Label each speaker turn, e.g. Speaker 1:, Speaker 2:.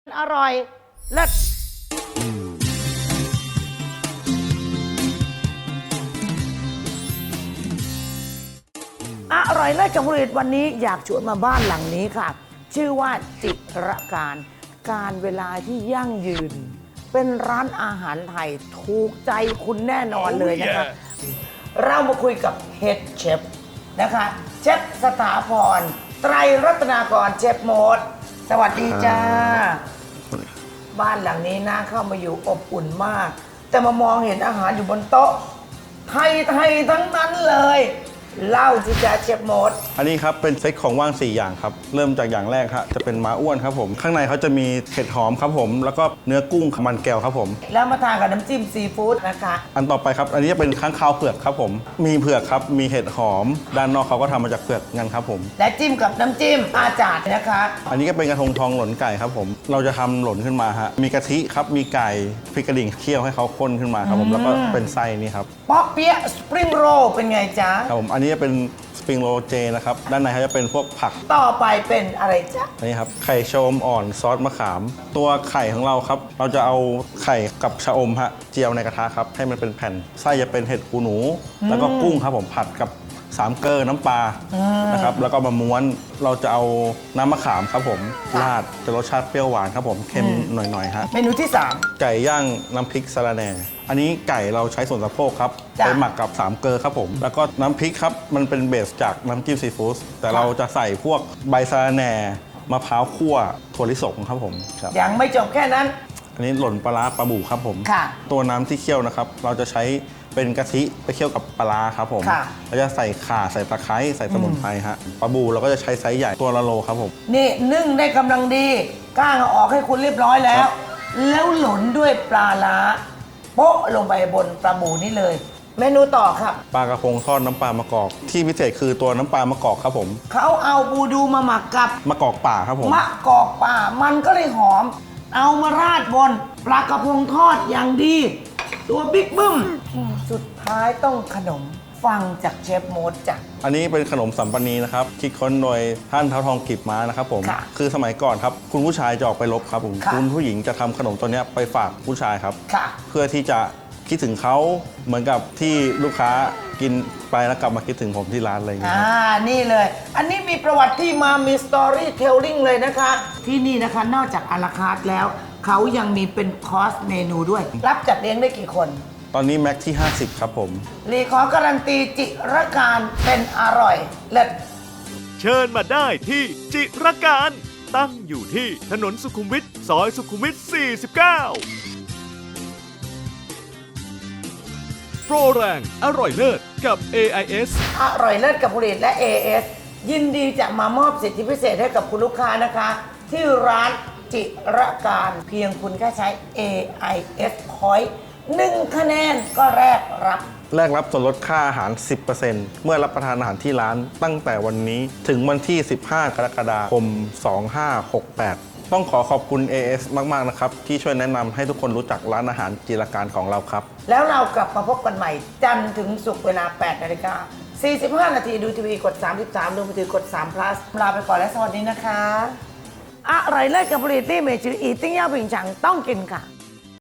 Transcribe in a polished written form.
Speaker 1: อร่อยเลิศอร่อยเลิศกับผลิตวันนี้อยากชวนมาบ้านหลังนี้ค่ะชื่อว่าจิรการเวลาที่ยั่งยืนเป็นร้านอาหารไทยถูกใจคุณแน่นอนเลยนะคะเรามาคุยกับเฮดเชฟนะคะเชฟสถาพรไตรรัตนากรเชฟโมดสวัสดีจ้าบ้านหลังนี้น่าเข้ามาอยู่อบอุ่นมากแต่มามองเห็นอาหารอยู่บนโต๊ะไทยทั้งนั้นเลยเล่าสิจ้าเชฟโมด
Speaker 2: อันนี้ครับเป็นเซตของว่าง4อย่างครับเริ่มจากอย่างแรกครับจะเป็นม้าอ้วนครับผมข้างในเขาจะมีเห็ดหอมครับผมแล้วก็เนื้อกุ้งมันแก้วครับผม
Speaker 1: แล้วมาทานกับน้ำจิ้มซีฟู้ดนะคะ
Speaker 2: อันต่อไปครับอันนี้จะเป็นข้างคาวเผือกครับผมมีเผือกครับมีเห็ดหอมด้านนอกเขาก็ทำมาจากเผือกงั้นครับผม
Speaker 1: และจิ้มกับน้ำจิ้มอาจารย์นะคะ
Speaker 2: อันนี้ก็เป็นกระทงทองหล่นไก่ครับผมเราจะทำหล่นขึ้นมาฮะมีกะทิครับมีไก่พริกกระดิ่งเคี่ยวให้เขาข้นขึ้นมาครับผมแล้วก็เป็นไส้นี่ครับ
Speaker 1: ป๊อกเปี๊ยะสปริงโรลเป็นไงจ๊ะ
Speaker 2: ครับผมอันนี้จะเป็นสปริงโรลเจนะครับด้านในเขาจะเป็นพวกผัก
Speaker 1: ต่อไปเป็นอะไรจ๊ะ
Speaker 2: นี่ครับไข่ชะอมอ่อนซอสมะขามตัวไข่ของเราครับเราจะเอาไข่กับชะอมฮะเจียวในกระทะครับให้มันเป็นแผ่นไส้จะเป็นเห็ดหูหนูแล้วก็กุ้งครับผมผัดกับ3 เกลอน้ำปลานะครับแล้วก็มาม้วนเราจะเอาน้ำมะขามครับผมราดจะรสชาติเปรี้ยวหวานครับผมเค็มหน่อยๆฮะ
Speaker 1: เมนูที่3
Speaker 2: ไก่ย่างน้ำพริกสะระแหน่อันนี้ไก่เราใช้ส่วนสะโพกครับไปหมักกับ3 เกลอครับผมแล้วก็น้ำพริกครับมันเป็นเบสจากน้ำจิ้มซีฟู้ดแต่เราจะใส่พวกใบสะระแหน่มะพร้าวคั่วถั่วลิสงครับผม
Speaker 1: ยังไม่จบแค่นั้น
Speaker 2: อันนี้หล่นปลาร้าปลาบู่ครับผมตัวน้ำที่เคี่ยวนะครับเราจะใช้เป็นกะทิไปเคี่ยวกับปลาครับผมเราจะใส่ข่าใส่ตะไคร้ใส่สมุนไพรฮะปลาบูเราก็จะใช้ไซส์ใหญ่ตัวละโลครับผม
Speaker 1: นี่นึ่งได้กำลังดีก้างเอาออกให้คุณเรียบร้อยแล้วแล้วหล่นด้วยปลาล้าโป๊ะลงไปบนปลาบูนี่เลยเมนูต่อครับ
Speaker 2: ปลากระพงทอดน้ำปลามะกอกที่พิเศษคือตัวน้ำปลามะกอกครับผม
Speaker 1: เขาเอาบูดูมาหมักกับ
Speaker 2: มะกอกป่าครับผม
Speaker 1: มะกอกป่ามันก็เลยหอมเอามาราดบนปลากระพงทอดอย่างดีตัวบิ๊กบึ้มสุดท้ายต้องขนมฟังจากเชฟโมดจ้ะ
Speaker 2: อันนี้เป็นขนมสัมปนีนะครับคิดค้นโดยท่านเท้าทองกีบม้านะครับผมคือสมัยก่อนครับคุณผู้ชายจะออกไปรบครับผมคุณผู้หญิงจะทำขนมตัวนี้ไปฝากผู้ชายครับเพื่อที่จะคิดถึงเขาเหมือนกับที่ลูกค้ากินไปแล้วกลับมาคิดถึงผมที่ร้านอะไรอย่างเงี้ย
Speaker 1: นี่เลยอันนี้มีประวัติที่มามีสตอรี่เทลลิ่งเลยนะคะที่นี่นะคะนอกจากอาราคาร์ทแล้วเขายังมีเป็นคอร์สเมนูด้วยรับจัดเลี้ยงได้กี่คน
Speaker 2: ตอนนี้แม็กที่50ครับผม
Speaker 1: รีขอการันตีจิรการเป็นอร่อยเลิศ
Speaker 3: เชิญมาได้ที่จิรการตั้งอยู่ที่ถนนสุขุมวิทซอยสุขุมวิท49โปรแรงอร่อยเลิศกับ AIS
Speaker 1: อร่อยเลิศกับผลิตและ AIS ยินดีจะมามอบสิทธิพิเศษให้กับคุณลูกค้านะคะที่ร้านจิรการเพียงคุณแค่ใช้ AIS Point 1 คะแนนก็แรกรับ
Speaker 2: ส่วนลดค่าอาหาร 10% เมื่อรับประทานอาหารที่ร้านตั้งแต่วันนี้ถึงวันที่ 15 กรกฎาคม 2568 ต้องขอขอบคุณ AS มากๆนะครับที่ช่วยแนะนำให้ทุกคนรู้จักร้านอาหารจิรการของเราครับ
Speaker 1: แล้วเรากลับมาพบกันใหม่จันทร์ถึงศุกร์เวลา 8 นาฬิกา 45 นาทีดูทีวีกด 33ดูมือถือกด3 plus ลาไปก่อนและสวัสดีนะคะอร่อยเลิศกับผลิตที่เมจืออีติ้งย่าผิงฉังต้องกินค่ะ